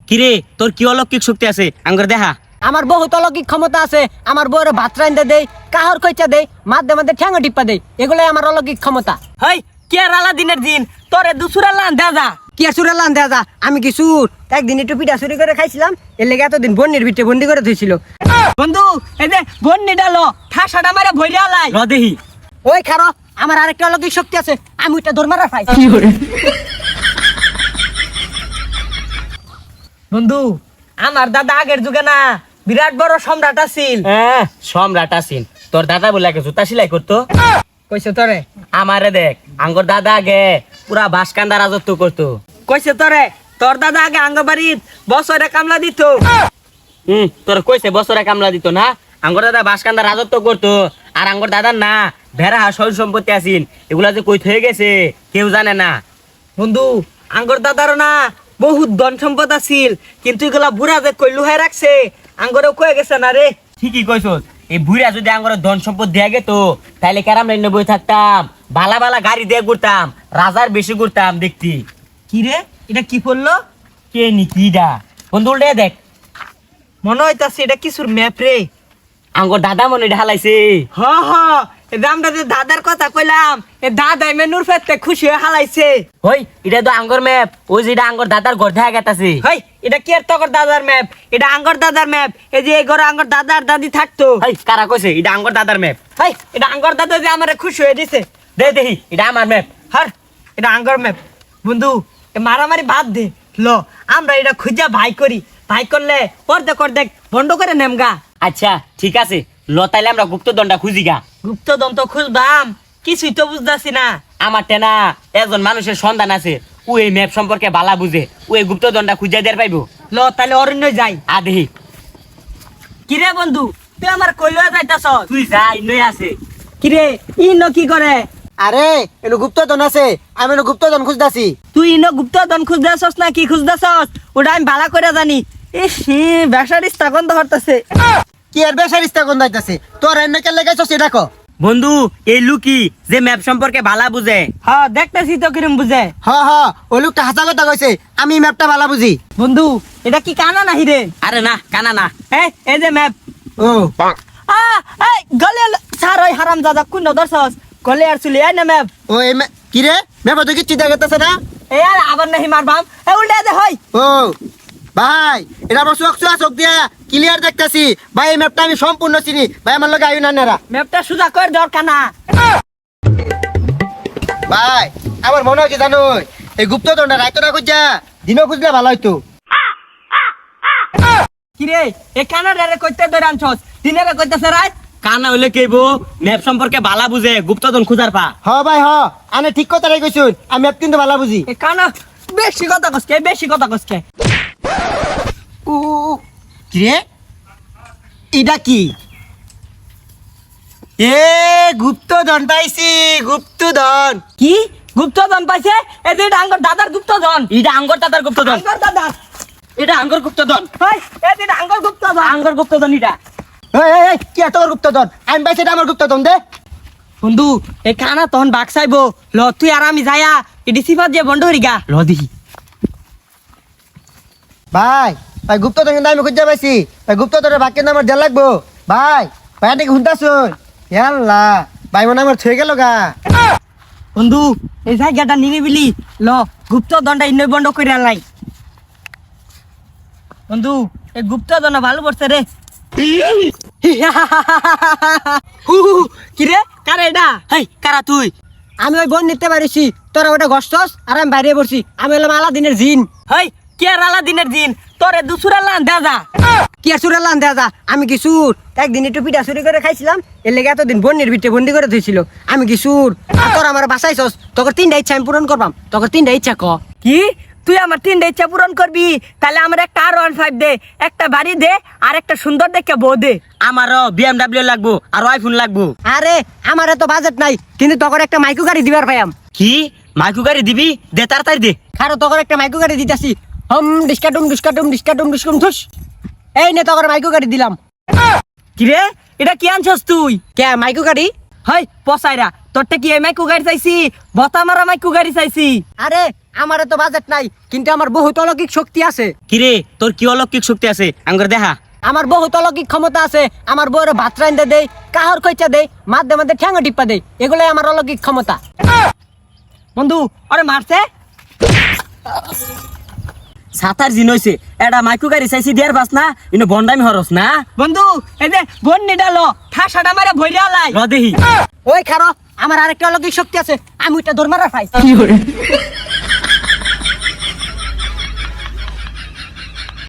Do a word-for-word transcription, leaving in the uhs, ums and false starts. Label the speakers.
Speaker 1: কিরে তোর কি অলৌকিক শক্তি আছে আঙ্গুর দেখা।
Speaker 2: আমার বহুত অলৌকিক ক্ষমতা আছে। আমার বউরে ভাত রাইন্দা দেই, কাহর কইচা দেই, মাঝে মাঝে ঠ্যাঙ্গা টিপ্পা দেই, এগুলাই আমার অলৌকিক ক্ষমতা।
Speaker 3: হই কেরালা দিনের দিন তোরে দুসুরা লান দে যা।
Speaker 2: কি আর সুরে লান দেয়া যা, আমি কি সুর? একদিন একটু পিঠা চুরি করে খাইছিলাম, এর লেগে এতদিন বন্যের ভিতরে বন্দি করে ধুইছিল।
Speaker 3: বন্ধু এই যে বন্নি ডালো ঠাসাটা মারে ভইরা লাই
Speaker 1: র দেহি।
Speaker 2: ওই খারো, আমার আরেকটা অলৌকিক শক্তি আছে, আমি ওইটা ধর্মারা খাই।
Speaker 3: বন্ধু আমার দাদা আগের যুগে না বিরাট বড় সম্রাট আছিল।
Speaker 1: হ্যাঁ সম্রাট আছিন। তোর দাদা বলে আগে জুতা সেলাই করতো।
Speaker 3: কইছে তোরে?
Speaker 1: আমারে দেখ আঙ্গুর দাদা আগে পুরা বাসকান্দা রাজত্ব করতো।
Speaker 3: কইছে তোরে তোর দাদা আগে আঙ্গবাড়ির বছরে কামলা দিত।
Speaker 1: হুম তোর কইছে বছরে কামলা দিত না? আঙ্গুর দাদা বাসকান্দা রাজত্ব করতো। আর আঙ্গুর দাদার না ভেড়া সয় সম্পত্তি আছিন, এগুলা যে কই হয়ে গেছে কেউ জানে না।
Speaker 3: বন্ধু আঙ্গর দাদারও না বহুত ধন সম্পদ আছিল, কিন্তু এগুলা বুড়া যে কই লুহাই রাখছে আঙ্গরেও কয়ে গেছে না রে।
Speaker 1: ঠিকই কইছস। এই বুড়া যদি আঙ্গুর ধন সম্পদ দেয়া গেত তাইলে কেরাম লাইন বই থাকতাম, বালা বালা গাড়ি দিয়ে ঘুরতাম, রাজার বেশি ঘুরতাম দেখতি।
Speaker 3: কি রে এটা কি পড়লো?
Speaker 1: কে নি কিডা বন্ধু উল্টে দেখ।
Speaker 3: মনে হইতাছে এটা কিছুর ম্যাপ রে।
Speaker 1: আঙ্গুর দাদা মনে ঢালাইছে।
Speaker 3: হ হ এই আমরা যে দাদার কথা কইলাম এ দাদাই মেনুর ফেতে খুশি হয়ে হালাইছে।
Speaker 1: হই এটা তো আঙ্গুর ম্যাপ, ওই যেটা আঙ্গুর দাদার ঘর দেখা গেতাছে।
Speaker 3: হই এটা কি আর তকর দাদার ম্যাপ? এটা আঙ্গর দাদার ম্যাপ। এই যে এই ঘরে আঙ্গর দাদার দাদি থাকতো।
Speaker 1: হই কারা কইছে এটা আঙ্গুর দাদার ম্যাপ?
Speaker 3: হই এটা আঙ্গর দাদা যে আমারে খুশি হয়ে দিছে।
Speaker 1: দে দেখি এটা আমার ম্যাপ।
Speaker 3: হার এটা আঙ্গর ম্যাপ। বন্ধু এ মারামারি বাদ দে, ল আমরা এটা খুঁজা ভাই করি। ভাই করলে পর্দে কর দেখ বন্ধ করে নেমগা।
Speaker 1: আচ্ছা ঠিক আছে, লতাইলে আমরা গুপ্তদণ্ডা খুঁজি গা।
Speaker 3: গুপ্তদন তো খুঁজবাম, কিছুই তো বুঝতাছি না।
Speaker 1: আমার টেনা একজন মানুষের সন্ধান আছে, ও এই ম্যাপ সম্পর্কে বালা বুঝে, ও এই গুপ্তদণ্ডা খুঁজা দেয়ার পাইবো।
Speaker 3: ল তাহলে অরণ্য যাই।
Speaker 1: আ দেখি।
Speaker 3: কিরে বন্ধু তুই আমার কইলো যাইতাছ?
Speaker 1: তুই যা ইনই আছে।
Speaker 3: কিরে ই ন কি করে?
Speaker 2: আরে এনো গুপ্তধন আছে, আমি এনো গুপ্তধন খুঁজতাছি।
Speaker 3: তুই ইন গুপ্তধন খুঁজতেছস না কি খুঁজতেছস ওটা আমি ভালো করে জানি। ইস বেসারিস তখন তো হরতাছে।
Speaker 2: কি আর বেসারিস্তা কোন দাইতাছে? তোর এনে কে লাগাইছস এটা কো?
Speaker 1: বন্ধু এই লুকি যে ম্যাপ সম্পর্কে বালা বুঝে।
Speaker 3: হ্যাঁ দেখতেছি তো কিরম বুঝে।
Speaker 2: হ হ, ও লোকটা হাসা কথা কইছে, আমি ম্যাপটা ভালো বুঝি।
Speaker 3: বন্ধু এটা কি কানা নাহি রে?
Speaker 1: আরে না কানা না।
Speaker 3: এই এই যে ম্যাপ।
Speaker 2: ও
Speaker 3: আ এই গলে সার ওই হারাম দাদা কোন দর্শস গলে আর চলে আয় না ম্যাপ।
Speaker 2: ও এই ম্যা- কি রে ম্যাপ তো কিচ্ছু দেখাতেছে না।
Speaker 3: এই আর আবার নাহি মারবাম। এই উল্টা দে হই।
Speaker 2: ও ভাই, এটা আমার চোখ চোখ চোখ দিয়া ক্লিয়ার দেখতাছি ভাই। এই ম্যাপটা আমি সম্পূর্ণ চিনি ভাই, আমার লগে আইও না নেরা।
Speaker 3: ম্যাপটা সুজা কর দরকার না।
Speaker 2: ভাই আমার মনে হয় কি জানো, এই গুপ্তধনটা রাইতো না খুঁজা দিনও খুঁজলে ভালো হইতো।
Speaker 3: কিরে এ কানাডারে কইতে ধরে আনছস, দিনেরে কইতেছে রাত।
Speaker 1: কানা হইলে কেবো ম্যাপ সম্পর্কে বালা বুঝে, গুপ্তধন খুঁজার পা।
Speaker 2: হ ভাই হ, আনে ঠিক কথা রে কইছুন, আমি ম্যাপ কিন্তু ভালো বুঝি।
Speaker 3: এ কানা বেশি কথা কসকে বেশি কথা কসকে।
Speaker 2: ও কি রে এটা কি? এ গুপ্তধন পাইছি, গুপ্তধন।
Speaker 3: কি গুপ্তধন পাইছে? এই যে এটা আঙ্গর দাদার গুপ্তধন।
Speaker 1: এটা আঙ্গুর দাদার গুপ্তধন।
Speaker 3: আঙ্গর দাদার
Speaker 1: এটা আঙ্গুর গুপ্তধন।
Speaker 3: হই এই যে এটা আঙ্গর গুপ্তধন।
Speaker 1: আঙ্গুর গুপ্তধন এটা।
Speaker 2: এই এই, এই কি এত বড় গুপ্তধন? আমি পাইছি এটা আমার গুপ্তধন দে।
Speaker 3: বন্ধু এই কানা তখন বাক চাইবো। ল তুই আর আমি যাইয়া এডি সিফাত যে বন্ধ হরি গা।
Speaker 1: ল দেখি।
Speaker 2: ভাই ভাই গুপ্তধন কিন্তু আমি খুঁজে পাইছি ভাই। গুপ্তধনের ভাগ কিন্তু আমার দেড় লাগবো ভাই। ভাই নাকি শুনতাছুন? ইয়াল্লা ভাই মনে হয় আমার থয়ে গেল গা।
Speaker 3: বন্ধু এই জায়গাটা নিরিবিলি, ল গুপ্তধনটা ইন্ন বন্ধ করে আনলাই। বন্ধু এই গুপ্তধন ভালো পড়ছে রে। হু হু, কি রে কারে এটা?
Speaker 1: হেই কারা তুই?
Speaker 2: আমি ওই বোন নিতে পারিছি, তোরা ওটা গস্তস আর আমি বাইরে পড়ছি। আমি হলাম আলাদিনের জিন।
Speaker 3: হই কেরালা দিনের দিন তোরে দুসুরা লান দে যা।
Speaker 2: কি আর সুরের লান দেয়া যা, আমি কি সুর? একদিন একটু পিঠা চুরি করে খাইছিলাম, এর লেগে এতদিন বন্যের ভিতরে বন্দি করে ধুইছিল। আমি কি সুর? আর তোর আমার বাসাইছস, তোর তিনটা ইচ্ছা আমি পূরণ করবাম। তোর তিনটা ইচ্ছা ক।
Speaker 3: কি তুই আমার তিনটা ইচ্ছা পূরণ করবি? তাহলে আমার একটা আর ওয়ান ফাইভ দে, একটা বাড়ি দে, আর একটা সুন্দর দেখে বউ দে।
Speaker 1: আমারও বিএমডব্লিউ লাগবো আর আইফোন লাগবো।
Speaker 2: আরে আমার এত বাজেট নাই, কিন্তু তোর একটা মাইকু গাড়ি দিবার পাইয়াম।
Speaker 1: কি মাইকু গাড়ি দিবি? দে তাড়াতাড়ি দে।
Speaker 2: খারো তোর একটা মাইকু গাড়ি দিতাছি। হম ডিসকাটুম ডিসকাটুম ডিসকাটুম ডিসকুম ধুস। এই নে তোর মাইকু গাড়ি দিলাম।
Speaker 3: কি রে এটা কি আনছস তুই?
Speaker 2: কে মাইকু গাড়ি?
Speaker 3: হই পসাইরা তোরটা কি এই মাইকু গাড়ি চাইছি? বতা মারা মাইকু গাড়ি চাইছি।
Speaker 2: আরে আমার তো বাজেট নাই কিন্তু আমার বহুত অলৌকিক শক্তি আছে।
Speaker 1: কিরে তোর কি অলৌকিক শক্তি আছে আঙ্গর দেখা।
Speaker 2: আমার বহুত অলৌকিক ক্ষমতা আছে। আমার বউরে ভাত রাইন্দা দেই, কাহর কইচা দেই, মাঝে মাঝে ঠ্যাঙ্গ টিপ্পা দেই, এগুলাই আমার অলৌকিক ক্ষমতা।
Speaker 3: বন্ধু ওরে মারছে।
Speaker 1: সাতার জিন হইছে এটা মাইকু গাড়ি চাইছি দিয়ার বাস না ইনো বন্ডামি হরস না।
Speaker 3: বন্ধু এই যে বন্নি ডালো ঠাসাটা মারে ভইরা লাই।
Speaker 1: র দেহি
Speaker 2: ওই খারো, আমার আরেকটা অলৌকিক শক্তি আছে, আমি ওইটা দৌড় মারা খাই।